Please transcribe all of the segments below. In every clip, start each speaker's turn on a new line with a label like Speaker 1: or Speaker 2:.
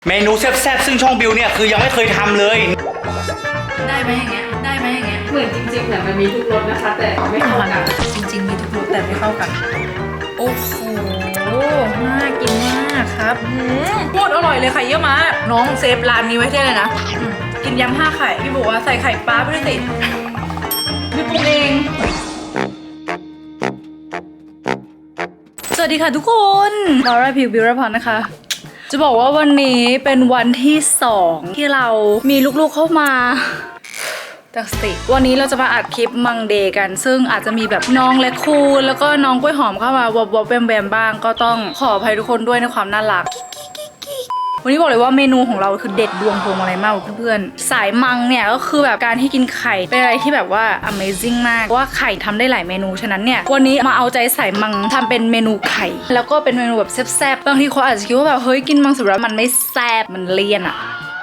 Speaker 1: เมนูแซ่บๆซึ่งช่องบิวเนี่ยคือยังไม่เคยทำเลย
Speaker 2: ได้ไหมอย่างเงี้ยได้ไหมอย่างเงี้ย
Speaker 3: เหมือนจริงๆเหมือนมันมีทุกรสนะคะแต่ไม่เข้ากัน
Speaker 2: จริงๆมีทุกรสแต่ไม่เข้ากันโอ้โหน่ากินมากครับโคตรอร่อยเลยไข่เยอะมากน้องเซฟร้านนี้ไว้ได้เลยนะกินยำ5 ไข่พี่บอกว่าใส่ไข่ปลาไปด้วยสิพี่ปรุงเองสวัสดีค่ะทุกคนลอร่าพิวบิวรพรนะคะจะบอกว่าวันนี้เป็นวันที่2ที่เรามีลูกๆเข้ามาตั้งสติวันนี้เราจะมาอัดคลิปมังเดย์กันซึ่งอาจจะมีแบบน้องและคูนแล้วก็น้องกล้วยหอมเข้ามาวบแวมบ้างก็ต้องขออภัยทุกคนด้วยในความน่ารักวันนี้บอกเลยว่าเมนูของเราคือเด็ดดวงพวงอะไรมากเพื่อนๆสายมังเนี่ยก็คือแบบการที่กินไข่เป็นอะไรที่แบบว่า Amazing มากว่าไข่ทำได้หลายเมนูฉะนั้นเนี่ยวันนี้มาเอาใจสายมังทำเป็นเมนูไข่แล้วก็เป็นเมนูแบบแซ่บๆบางทีเขาอาจจะคิดว่าแบบเฮ้ยกินมังสวิรัติมันไม่แซ่บมันเลี่ยนอะ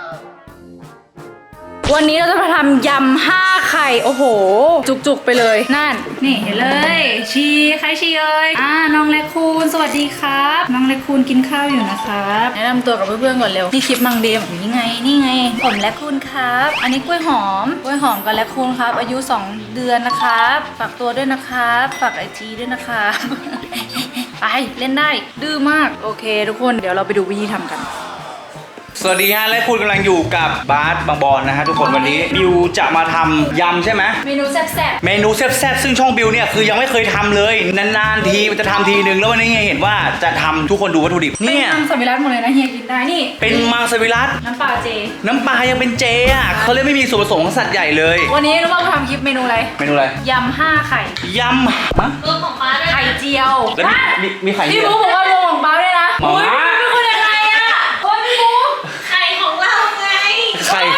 Speaker 2: วันนี้เราจะมาทำยำ5 ไข่โอ้โหจุกๆไปเลยนั่นนี่เห็นเลยชีใครชีเอ้ยน้องเล็กคูณสวัสดีครับน้องเล็กคูณกินข้าวอยู่นะครับแนะนำตัวกับเพื่อนๆก่อนเร็วนี่คลิปมังเดย์แบบนี้ไงนี่ไงผมเล็กคูณครับอันนี้กล้วยหอมกับเล็กคูณครับอายุ2 เดือนนะครับฝากตัวด้วยนะครับฝากIGด้วยนะครับไปเล่นได้ดื้อมากโอเคทุกคนเดี๋ยวเราไปดูวิธีทำกัน
Speaker 1: สวัสดีฮะและคุณกำลังอยู่กับบาสบางบอนนะฮะทุกคนวันนี้บิวจะมาทำยำใช่ไหม
Speaker 2: เมนูแซ่บ
Speaker 1: เมนูแซ่บๆซึ่งช่องบิวเนี่ยคือยังไม่เคยทำเลยนานๆทีมันจะทำทีนึงแล้ววันนี้เห็นว่าจะทำทุกคนดูวัตถุดิบเนี่ย
Speaker 2: เป็นมังสวิรัติหมดเลยนะเฮียกินได้นี่
Speaker 1: เป็นมังสวิรัติ
Speaker 2: น้ำปลาเจ
Speaker 1: น้ำปลายังเป็นเจอ่ะเขาเลยไม่มีส่วนผสมของสัตว์ใหญ่เลย
Speaker 2: วันนี้รู้ว่าเราทำคลิปเมนูอะไรยำ5 ไข่
Speaker 1: ยำ
Speaker 3: รวมของป้าด้วย
Speaker 2: ไข่เจียว
Speaker 1: แล้วมีไข่
Speaker 2: พี่บุ๊กบอกว่ารวมของป้าด้วยนะโอ้ยพี่บุ๊กยังไงอะโอ้ยพี่บุ๊ก
Speaker 3: ไข่ของเราไง
Speaker 1: ไข่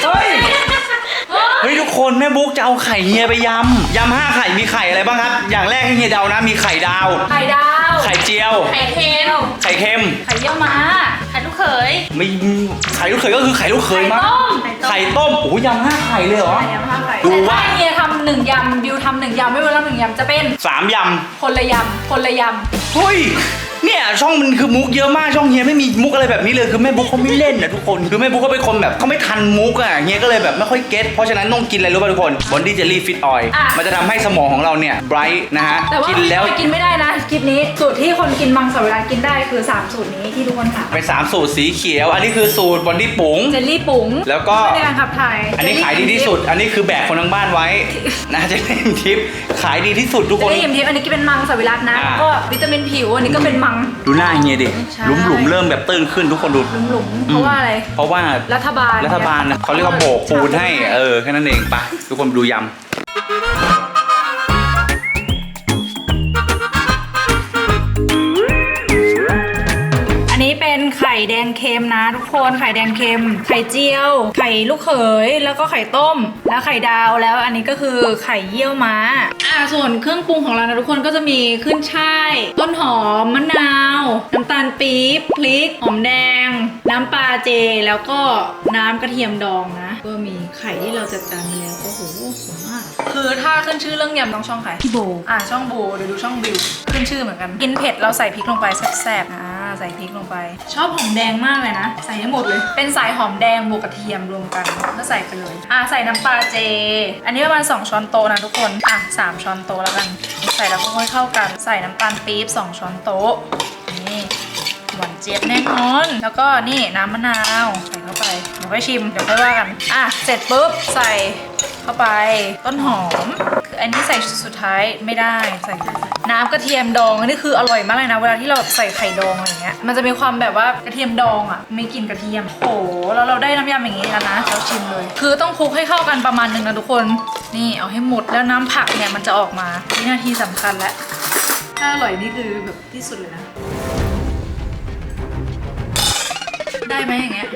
Speaker 1: เฮ้ยทุกคนแม่บุ๊กจะเอาไข่เฮียไปยำ5 ไข่มีไข่อะไรบ้างครับอย่างแรกให้เฮียเดานะมีไข่ดาว
Speaker 2: ไข่
Speaker 1: เจียว
Speaker 3: ไข่เค็ม
Speaker 1: ไข่เค็ม
Speaker 2: ไข่เยี่ยวม้า
Speaker 3: ไข่ลูกเขย
Speaker 1: ไม่ไข่ลูกเขยก็คือไข่ลูกเขยมั้งไข่ต้มโอ้ยยำ5 ไข่เลยเหรอ
Speaker 2: ดูว่าเฮียทำ1 ยำบิวทำ1 ยำไม่เวลา1 ยำจะเป็น
Speaker 1: 3 ยำ
Speaker 2: คนละยำ
Speaker 1: เฮ้ยเนี่ยช่องมันคือมุกเยอะมากช่องเฮียไม่มีมุกอะไรแบบนี้เลยคือแม่บุ๊กเขาไม่เล่นนะทุกคนคือแม่บุ๊กเขาเป็นคนแบบเขาไม่ทันมุกอ่ะเฮียก็เลยแบบไม่ค่อยเก็ตเพราะฉะนั้นต้องกินอะไรรู้ป่ะทุกคนบอนดี้เจลลี่ฟิตออยล์มันจะทำให้สมองของเราเนี่ยไบรท์นะฮะ
Speaker 2: แต่ว่ากินไม่ได้นะคลิปนี้สูตรที่คนกินมังสวิรัติกินได้คือ3 สูตรนี้ที่ทุกคนถาม
Speaker 1: เป็น3 สูตรสีเขียวอันนี้คือสูตรบอนดี้ปุ๋ง
Speaker 2: เจลลี่ปุ๋ง
Speaker 1: แล้วก็
Speaker 2: ในการขับถ่าย
Speaker 1: อันนี้ขายดีที่สุดอันนี้คือแบกคนทั้งบ้านไว้นะจะเล่นทิปขายดีที่สุดทุกคน
Speaker 2: จะได้ยิมทิปอันนี้ก็เป็นมังสวิรัตินะก็วิตามินผิวอันนี้ก็เป็นมัง
Speaker 1: ดูหน้าเฮียดิหลุมเริ่มแบบตื้นขึ้นทุกคนดู
Speaker 2: หลุมเพราะว่าอะไร
Speaker 1: เพราะว่า
Speaker 2: รัฐบาล
Speaker 1: นะเขาเรียกว่าโบกปูนให้แค่นั้นเองไปทุกคนดูยำ
Speaker 2: อันนี้เป็นไข่แดงเค็มนะทุกคนไข่แดงเค็มไข่เจียวไข่ลูกเขยแล้วก็ไข่ต้มแล้วไข่ดาวแล้วอันนี้ก็คือไข่เยี่ยวม้าส่วนเครื่องปรุงของเรานะทุกคนก็จะมีขึ้นช่ายต้นหอมมะนาวน้ำตาลปี๊บพริกหอมแดงน้ำปลาเจแล้วก็น้ำกระเทียมดองนะก็มีไข่ที่เราจัดการไปแล้วโอ้โหสวยมากคือถ้าขึ้นชื่อเรื่องยำต้องช่องใครพี่โบช่องโบเดี๋ยวดูช่องบิวขึ้นชื่อเหมือนกันกินเผ็ดเราใส่พริกลงไปแซ่บๆใส่พริกลงไปชอบหอมแดงมากเลยนะใส่ให้หมดเลยเป็นสายหอมแดงบวกกระเทียมรวมกันก็ใส่ไปเลยใส่น้ำปลาเจอันนี้ประมาณ2 ช้อนโต๊ะนะทุกคน3 ช้อนโต๊ะแล้วกันใส่แล้วก็ค่อยเข้ากันใส่น้ำตาลปี๊บ2 ช้อนโต๊ะนี่หวานเจี๊ยบแน่นอนแล้วก็นี่น้ำมะนาวใส่เข้าไปเดี๋ยวค่อยชิมเดี๋ยวค่อยว่ากันเสร็จปุ๊บใส่เข้าไปต้นหอมคืออันนี้ใส่สุดท้ายไม่ได้ใส่น้ำกระเทียมดองอันนี้คืออร่อยมากเลยนะเวลาที่เราใส่ไข่ดองอะไรเงี้ยมันจะมีความแบบว่ากระเทียมดองไม่กลิ่นกระเทียมโอ้แล้วเราได้น้ำยำอย่างนี้แล้วนะเราชิมเลยคือต้องคลุกให้เข้ากันประมาณนึงนะทุกคนนี่เอาให้หมดแล้วน้ำผักเนี่ยมันจะออกมาวินาทีสำคัญแล้วถ้าอร่อยนี่คือแบบที่สุดเลยนะได้ไหมอย่างเงี้ย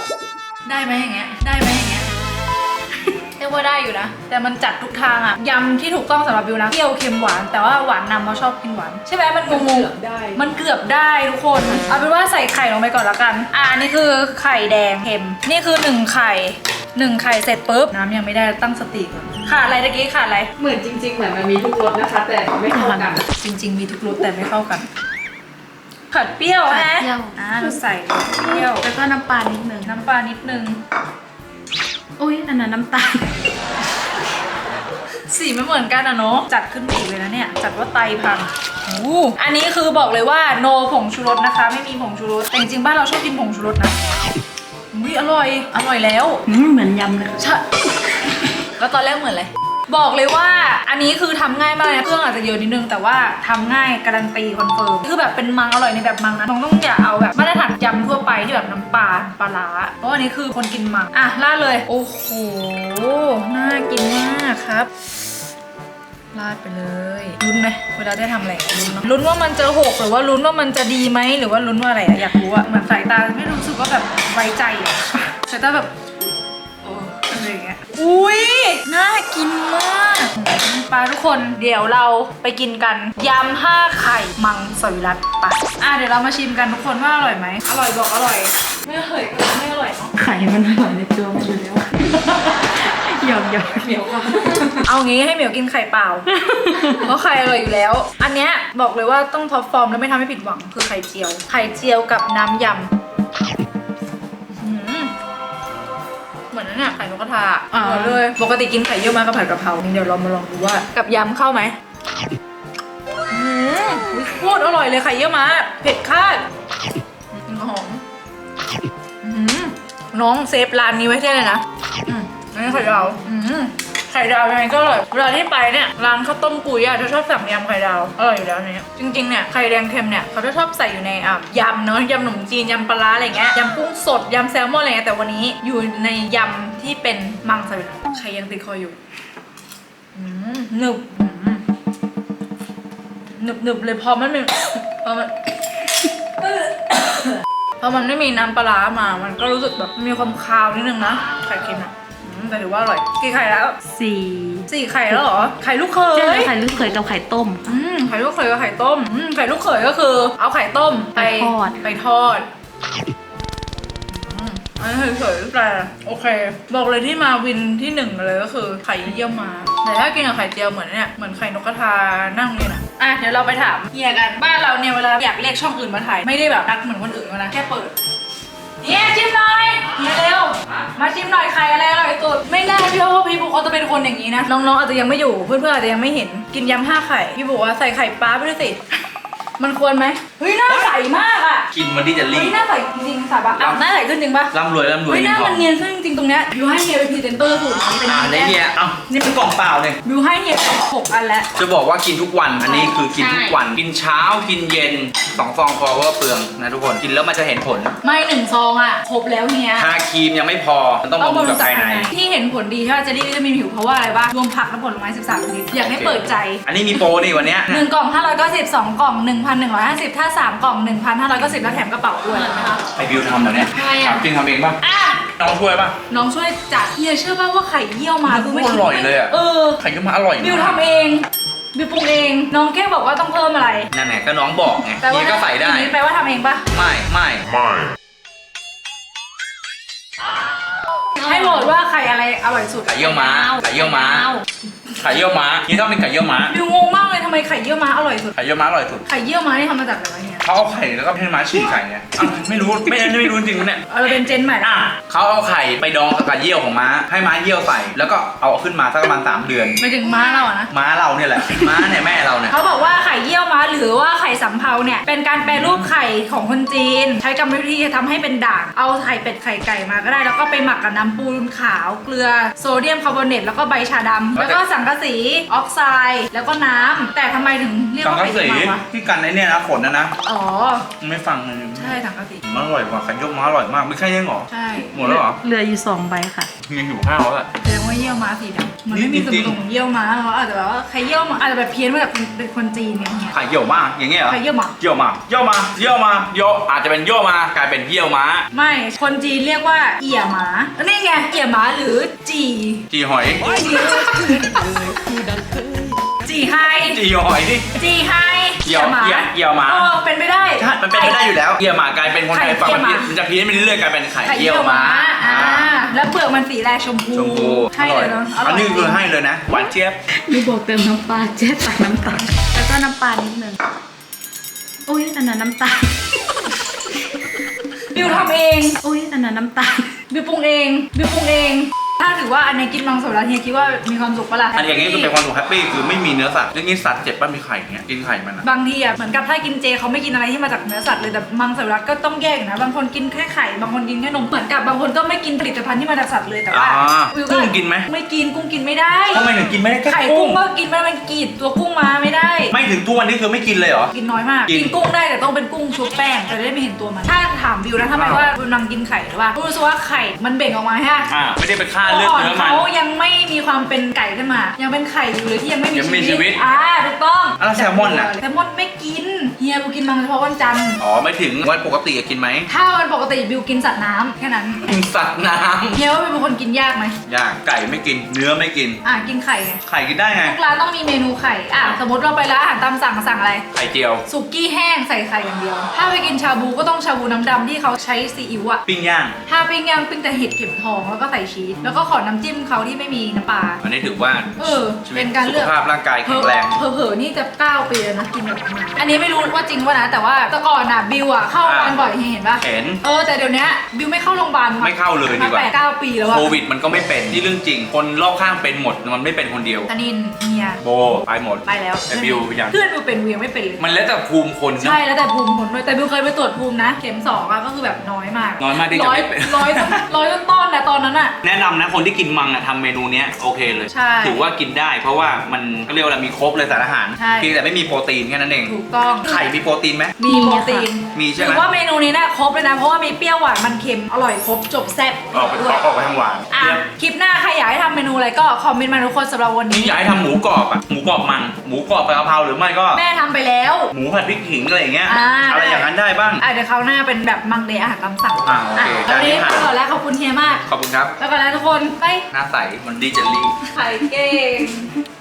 Speaker 2: เรียกว่าได้อยู่นะแต่มันจัดทุกทางยำที่ถูกต้องสำหรับบิวนะเปรี้ยวเค็มหวานแต่ว่าหวานนำเพราะชอบกินหวานใช่ไหมมันงงๆมันเกือบได้ทุกคนเอาเป็นว่าใส่ไข่ลงไปก่อนละกันนี่คือไข่แดงเค็มนี่คือ1 ไข่เสร็จปุ๊บน้ำยังไม่ได้ตั้งสติก่อนขาดอะไรตะกี้ขาดอะไร
Speaker 3: เหมือนจริงๆเหมือนมันมีทุกรสนะคะแต่ไม่เข้ากัน
Speaker 2: จริงๆมีทุกรสแต่ไม่เข้ากันผัดเปรี้ยว
Speaker 3: ผัด
Speaker 2: นะ
Speaker 3: เปรี้ยว
Speaker 2: เราใส่เปรี้ยว
Speaker 3: แล้วก็น้ำปลานิดนึง
Speaker 2: น้ำปลานิดนึง
Speaker 3: อุ้ยนั่นน่ะน้ำตาล
Speaker 2: สีไม่เหมือนกันอะเนาะจัดขึ้นมาอีกเลยนะเนี่ยจัดว่าไตพังอันนี้คือบอกเลยว่าโนผงชูรสนะคะ ไม่มีผงชูรสแต่จริงๆบ้านเราชอบกินผงชูรสนะอุ้ยอร่อยแล้ว
Speaker 3: เหมือนยำเลย
Speaker 2: ใช่ แล้วตอนแรกเหมือนอะไรบอกเลยว่าอันนี้คือทำง่ายมากนะเครื่องอาจจะเยอะนิดนึงแต่ว่าทำง่ายการันตีคอนเฟิร์มคือแบบเป็นมังอร่อยในแบบมังนะต้องอย่าเอาแบบมาตรฐานยำทั่วไปที่แบบน้ำปลาปลาร้าเพราะอันนี้คือคนกินมังอ่ะราดเลยโอ้โหน่ากินมากครับราดไปเลยลุ้นไหมเวลาได้ทำอะไรลุ้นเนอะลุ้นว่ามันจะหกหรือว่าลุ้นว่ามันจะดีไหมหรือว่าลุ้นว่าอะไรอะอยากรู้อะเหมือนสายตาไม่รู้สึกว่าแบบไว้ใจอะสายตาแบบอะไรอย่างเงี้ยอุ้ยน่ากินมากปลาทุกคนเดี๋ยวเราไปกินกันยำ5 ไข่มังสวิรัติปะเดี๋ยวเรามาชิมกันทุกคนว่าอร่อยไหมอร่อยบอกอร่อยไม่อร่อยก็ไม่อร่อยเนาะ
Speaker 3: ไข่มันอร่อยในตัวมันอยู่แล้วหยอกเหมียวค่ะ
Speaker 2: เอางี้ให้เหมียวกินไข่เปล่า เพราะไข่อร่อยอยู่แล้ว อันเนี้ยบอกเลยว่าต้องท็อปฟอร์มแล้วไม่ทำให้ผิดหวังคือไข่เจียว ไข่เจียวกับน้ำยำเหมือนนั่นน่ะไข่นกกระทาเหมือนเลยปกติกินไข่เยี่ยวมากับผัดกะเพราเดี๋ยวเรามาลองดูว่ากับยำเข้าไหมโคตรอร่อยเลยไข่เยี่ยวมาเผ็ดคาดหอมน้องเซฟร้านนี้ไว้ใช่เลยนะอันนี้ไข่ดาวไข่ดาวยังไงก็อร่อยเวลาที่ไปเนี่ยร้านข้าวต้มกุยจะชอบสั่งยำไข่ดาวอร่อยอยู่แล้วเนี่ยจริงๆเนี่ยไข่แดงเค็มเนี่ยเขาจะชอบใส่อยู่ในยำเนาะยำขนมจีนยำปลาร้าอะไรเงี้ยยำกุ้งสดยำแซลมอนอะไรเงี้ยแต่วันนี้อยู่ในยำที่เป็นมังสวิรัติไข่ยังติดคออยู่หนึบหนึบเลยพอมันพอมันไม่มีน้ำปลาร้ามามันก็รู้สึกแบบมีความคาวนิดนึงนะไข่เค็มอะแต่ถือว่าอร่อยกี่ไข่แล้ว 4 ไข่แล้วเหรอไข่ลูกเขย
Speaker 3: ใช่ไข่ลูกเขยกับไข่ต้ม
Speaker 2: ไข่ลูกเขยกับไข่ต้มไข่ลูกเขยก็คือเอาไข่ต้มไปทอดอันนี้เฉยๆแต่โอเคบอกเลยที่มาวินที่1เลยก็คือไข่เยี่ยวม้าแต่ถ้ากินกับไข่เจียวเหมือนเนี่ยเหมือนไข่นกกระทานั่งเนี่ยนะเดี๋ยวเราไปถามเฮียกันบ้านเราเนี่ยเวลาอยากเรียกช่องอื่นมาถ่ายไม่ได้แบบนัดเหมือนคนอื่นนะแค่เปิดเนี่ยชิมหน่อยเร็วมาชิมหน่อยไข่อะไรอร่อยสุดไม่น่าเชื่อว่าพี่บุ๊กเขาจะเป็นคนอย่างนี้นะน้องๆอาจจะยังไม่อยู่เพื่อนๆอาจจะยังไม่เห็นกินยำ5 ไข่พี่บุ๊กว่าใส่ไข่ปลาไปด้วยสิมันควรไหมเฮ้ยหน้าใสมากอ่ะ
Speaker 1: กินวันนี้จะรี
Speaker 2: เฮ้ย
Speaker 1: บ
Speaker 2: หน้าใสจริงๆสาบะหน้าใสขึ้นจริงปะ
Speaker 1: ร่ำรวย
Speaker 2: เฮ้ยหน้ามันเนียนขึ้นจริงๆตรงเนี้ยบิวให้เฮียเป็นพรีเซนเตอร์สูตรนี้เป็น
Speaker 1: ในเนี่ยนี่เป็นกล่องเปล่าเลย
Speaker 2: บิวให้เฮีย6 อันแล้ว
Speaker 1: จะบอกว่ากินทุกวันอันนี้คือกินทุกวันกินเช้ากินเย็น2 ซองพอว่าเปลืองนะทุกคนกินแล้วมันจะเห็นผล
Speaker 2: ไม่1 ซองอ่ะครบแล้วเฮีย
Speaker 1: ทาครีมยังไม่พอมันต้องบำรุงกับภายใน
Speaker 2: ที่เห็นผลดีถ้าจะได้วิตามินผิวเพราะว่าอะไรบ้างรวมผักและผลไม้13 ชนิดอยากให้เปิดใจ
Speaker 1: อันนี้มีโปรนี่วันเนี้ย
Speaker 2: 1 กล่อง590 2 กล่อง 1,150 ถ้า 3 กล่อง 1,590 แล้วแถมกระเป๋าด้วยนะคะ
Speaker 1: ไอบิวทำเหรอเนี่ย
Speaker 2: ใช่อะ
Speaker 1: ถามจริงทำเองป่ะ
Speaker 2: อ่ะ
Speaker 1: น้องช่วยป่ะ
Speaker 2: น้องช่วยจัดเฮียเชื่อป่ะว่าไข่เยี่ยวมาคือไม่คิด
Speaker 1: อร่อยเลยอะ ไข่ก็มาอร่อย
Speaker 2: บิวทำเองบิวปรุงเองน้องแค่บอกว่าต้องเพิ่มอะไร
Speaker 1: นั่นแหละก็น้องบอกไงนี่ก็ใส่ได้
Speaker 2: ทีนี้แปลว่าทำเองปะ
Speaker 1: ไม่
Speaker 2: ให้โหวตว่าไข่อะไรอร่อยสุด
Speaker 1: ไข่เยี่ยวม้าไข่เยี่ยวม้าไข่เยี่ยวม้านี่ต้องเป็นไข่เยี่ยวม้า
Speaker 2: บิวงงมากเลยทำไมไข่เยี่ยวม้าอร่อยสุด
Speaker 1: ไข่เยี่ยวม้าอร่อยสุด
Speaker 2: ไข่เยี่ยวม้านี่ทำมาจากอะไรเนี่ย
Speaker 1: เขาเอาไข่แล้วก็ให้ม้าฉีกไข่ไงอ้าวไม่รู้ไม่รู้จริงๆเนี่ย
Speaker 2: เราเป็นเจนใหม่ละ
Speaker 1: เขาเอาไข่ไปดองกับเยี่ยวของม้าให้ม้าเยี่ยวใส่แล้วก็เอาขึ้นมาสักประมาณ3 เดือน
Speaker 2: ไม่ถึงม้าเราอะนะ
Speaker 1: ม้าเราเนี่ยแหละม้าเนี่ยแม่เราเนี่ย
Speaker 2: เขาบอกว่าไข่เยี่ยวม้าหรือว่าไข่สำเภาเนี่ยเป็นการแปรรูปไข่ของคนจีน ใช้กรรมวิธีทำให้เป็นด่างเอาไข่เป็ดไข่ไก่มาก็ได้แล้วก็ไปหมักกับน้ำปูนขาวเกลือโซเดียมคาร์บอเนตแล้วก็ใบชาดำแล้วก็สังกะสีออกไซด์แล้วก็น้ำแต่ทำไมถึงเรียก
Speaker 1: สัง
Speaker 2: ว่า
Speaker 1: กะ
Speaker 2: ไข่
Speaker 1: สี
Speaker 2: เยี่ยวม้าวะ
Speaker 1: ที่กันในเนี่ยนะขนนะ
Speaker 2: อ๋อ
Speaker 1: ไม่ฟังเลย
Speaker 2: ใช่สังกะสี
Speaker 1: มันอร่อยกว่าไข่เยี่ยวม้าอร่อยมากไม่ใช่ยังหรอ
Speaker 2: ใช่
Speaker 1: หมดแล้วเหรอ
Speaker 3: เหลืออยู่2 ใบค่ะ
Speaker 1: ยังหิวข้าวแล้ว
Speaker 2: แสดงว่าเยี่ยวม้าสีดำมันไม่มี
Speaker 1: จริงๆ
Speaker 2: ส่วนผสมของเยี่ยวม้าเขาอาจจะแบบว่าใครเยี่ยวม้าอาจจะแบบเพี้ยนมาแบบเป็นคนจีนเนี่ย
Speaker 1: ไข่เยี่ยวม้าอย่างเงี้ยเหรอ
Speaker 2: ใครเยี่ยวม้า
Speaker 1: เยี่ยวมาอาจจะเป็นเยี่ยวมากลายเป็นเยี่ยวม้า
Speaker 2: ไม่คนจีนเรียกว่าเอี่ยหมานี่ไงเอี่ยหมาหรือจี
Speaker 1: จีหอย
Speaker 2: จีไฮ
Speaker 1: จีหอยนี่
Speaker 2: จีไฮ
Speaker 1: เอี่ยวหมา
Speaker 2: เป็นไปได้
Speaker 1: ใช่มันเป็นไปได้อยู่แล้วเยี่ยวหมากลายเป็นคนไทย
Speaker 2: ไข่
Speaker 1: ฝั่ง
Speaker 2: เยี่ยวหมา
Speaker 1: มันจะเพี้ยนไปเรื่อยๆกลายเป็นไข่
Speaker 2: ไข่
Speaker 1: เยี่
Speaker 2: เยี่
Speaker 1: ย
Speaker 2: ยวว
Speaker 1: ม้า
Speaker 2: ม้าแล้วเปลือกมันสีแดงชมพู
Speaker 1: ชมพู
Speaker 2: ให้เลยเนาะอร่
Speaker 1: อั
Speaker 2: อย
Speaker 1: นนี้คือให้เลยนะหวานเจี๊ยบ
Speaker 3: นี่บอกเติมน้ำปลาเจ๊ตักน้ำตาลแล้วก็น้ำปลานิดนึงอุ้ยอันนั้นน้ำตาล
Speaker 2: บิวทำเอง
Speaker 3: อุ้ยอันนั้นน้ำตาล
Speaker 2: บิวปรุงเองบิวปรุงเอง ถ้าถือว่าอันนี้กินมังสวิรัติเฮียคิดว่ามีความสุขปะล่ะ
Speaker 1: อันอย่างนี้คือเป็นความสุขแฮปปี้คือไม่มีเนื้อสัตว์อย่างนี้สัตว์เจ็บป่ะมีไข่อย่างเงี้ยกินไข่มันอะ
Speaker 2: บางทีอ่ะเหมือนกับถ้ากินเจเขาไม่กินอะไรที่มาจากเนื้อสัตว์เลยแต่มังสวิรัติก็ต้องแยกนะบางคนกินแค่ไข่บางคนกินแค่นมเหมือนกับบางคนก็ไม่กินผลิตภัณฑ์ที่มาจากสัตว์เลยแต่ว่าวิว
Speaker 1: กุ้งกินไหม
Speaker 2: ไม่กินกุ้งกินไม่ได้
Speaker 1: ทำไมถึงกินไม่ได้แค่
Speaker 2: ไข่
Speaker 1: กุ้
Speaker 2: กุ้
Speaker 1: ง
Speaker 2: งก็กินไม่ได้มันกรีดตัวกุ้งมาไม่ได้
Speaker 1: ไม่ถึงทุกวันนี้คือไม่กินเลยเหรอ
Speaker 2: กินน้อยมาก
Speaker 1: กิน
Speaker 2: กินกุ้งได้แต่ต้องเป็นกุ้งชุบแป้งจะได้ไม่เห็นตัวมันถ้าถามวิวนะทำไมว่าวิวนังกินไข่หรือว่าวิวรู้สึกว่าไข่มันเบ่งออกมาฮะ
Speaker 1: ไม่ได้ไปฆ่าเลือด
Speaker 2: ก่อน
Speaker 1: เนื้อมัน
Speaker 2: เขายังไม่มีความเป็นไก่ขึ้นมา ยังเป็นไข่อยู่เลยที่ยังไม่
Speaker 1: ยังมีชีวิต
Speaker 2: ถูกต้อง
Speaker 1: แล้วแซลมอนน่ะ
Speaker 2: แซลมอนไม่กินเฮียบิวกินมังเฉพาะวันจันทร์
Speaker 1: อ๋อไม่ถึงวันปกติกินไหม
Speaker 2: ถ้าวันปกติบิวกินสัตว์น้ำแค่นั้น
Speaker 1: กินสัตว์น้
Speaker 2: เฮียว่าบิวเป็นคนกินยากไหม
Speaker 1: ำย่างไก่ไม่กินเนื้อไม่กิน
Speaker 2: กินไข่ไง
Speaker 1: ไข่กินได้ไง
Speaker 2: ทุกร้านต้องมีเมนูไข่สมมติเราไปร้านอาหารตามสั่งอะไร
Speaker 1: ไข่เจียว
Speaker 2: สุกี้แห้งใส่ไข่อย่างเดียว ถ้าไปกินชาบูก็ต้องชาบูน้ำดำที่เขาใช้ซีอิ๊วอะ
Speaker 1: ปิ้งย่าง
Speaker 2: ถ้าปิ้งย่างปิ้งแต่เห็ดเข็มทองแล้วก็ใส่ชีสแล้วก็ขอน้ำจิ้มเขาที่ไม่มีน้ำปลา
Speaker 1: อันนี้ถือว่า ชีวิ
Speaker 2: เป็
Speaker 1: ต
Speaker 2: นการ
Speaker 1: สุ
Speaker 2: เลื
Speaker 1: ข
Speaker 2: อก
Speaker 1: ภาพร่างกายแข็งแรง
Speaker 2: เผลอๆนี่จะ9 ปีแล้วนะกินแบบนี้อันนี้ไม่รู้ว่าจริงว่านะแต่ว่าแต่ก่อนอะบิวอะเข้าโรงพยาบาลบ่อยเห็นปะ
Speaker 1: เห็น
Speaker 2: แต่เดี๋ยวนี้บิวไม่เข้าโรงพยาบาล
Speaker 1: ไม่เข้าเลยดีกว่า
Speaker 2: มา8-9 ปีแล้วอะ
Speaker 1: โควิดมันก็ไม่เป็นที่เรื่องจริง คนรอบข้างเป็นหมดมันไม่เป็นคนเดียว
Speaker 2: ธนินเฮีย
Speaker 1: โบไปหมด
Speaker 2: ไปแล้ว
Speaker 1: แต่บิวยัง
Speaker 2: เพื่อนบิวเป็นวิวไม่เป็นเลย
Speaker 1: มันแล้วแต่ภูมิคนนะ
Speaker 2: ใช่แล้วแต่ภูมิคนด้วยแต่บิวเคยไปตรวจภูมินะเข็ม2อะก็คือแบบน้อยมาก
Speaker 1: น้อยมากที่จะไม่เป็น
Speaker 2: ร้อยต้นๆนะตอนนั้นอะ
Speaker 1: แนะนำนะคนที่กินมังอะทำเมนูเนี้ยโอเคเลย
Speaker 2: ใช่
Speaker 1: ถือว่ากินได้เพราะว่ามันก็เรียกว่าอะไรมีครบเลยสารอาหาร
Speaker 2: ใช่
Speaker 1: เพียงแต่ไม่มีโปรตีนแค่นั้นเอง
Speaker 2: ถูกต้อง
Speaker 1: ไข่มีโปรตีนไหม
Speaker 2: มีโปรตีน
Speaker 1: มีใช่ไหม
Speaker 2: ถือว่าเมนูนี้นะครบเลยนะเพราะว่ามีเปรี้ยวหวานมันเค็มอร่อยครบจบแซ่บ
Speaker 1: ออกไป
Speaker 2: ด้วย
Speaker 1: ออกไปทางหวาน
Speaker 2: คลิปหน้าใครอยากให้ทำเมนูอะไรก็คอมเมนต์มาทุกคนสำหรับวัน
Speaker 1: นี่
Speaker 2: นี้
Speaker 1: อยากให้ทำหมูกรอบอะหมูกรอบมังหมูกรอบกะเพราหรือไม่ก็
Speaker 2: แม่ทำไปแล้ว
Speaker 1: หมูผัดพริกขิงอะไรอย่างเงี้ย
Speaker 2: ได้
Speaker 1: อย่างนั้นได้บ้าง
Speaker 2: เดี๋ยวคราวหน้าเป็นแบบมังเดย์อาหารตามสั่ง
Speaker 1: โอเค
Speaker 2: วันนี้
Speaker 1: จานนี้
Speaker 2: ไปก่อนแล้วขอบคุณเฮียมาก
Speaker 1: ขอบคุณครับ
Speaker 2: แล้วก็แล้วทุกคนไป
Speaker 1: หน้าใสมันดีเจลลี่
Speaker 2: ไข่เก่ง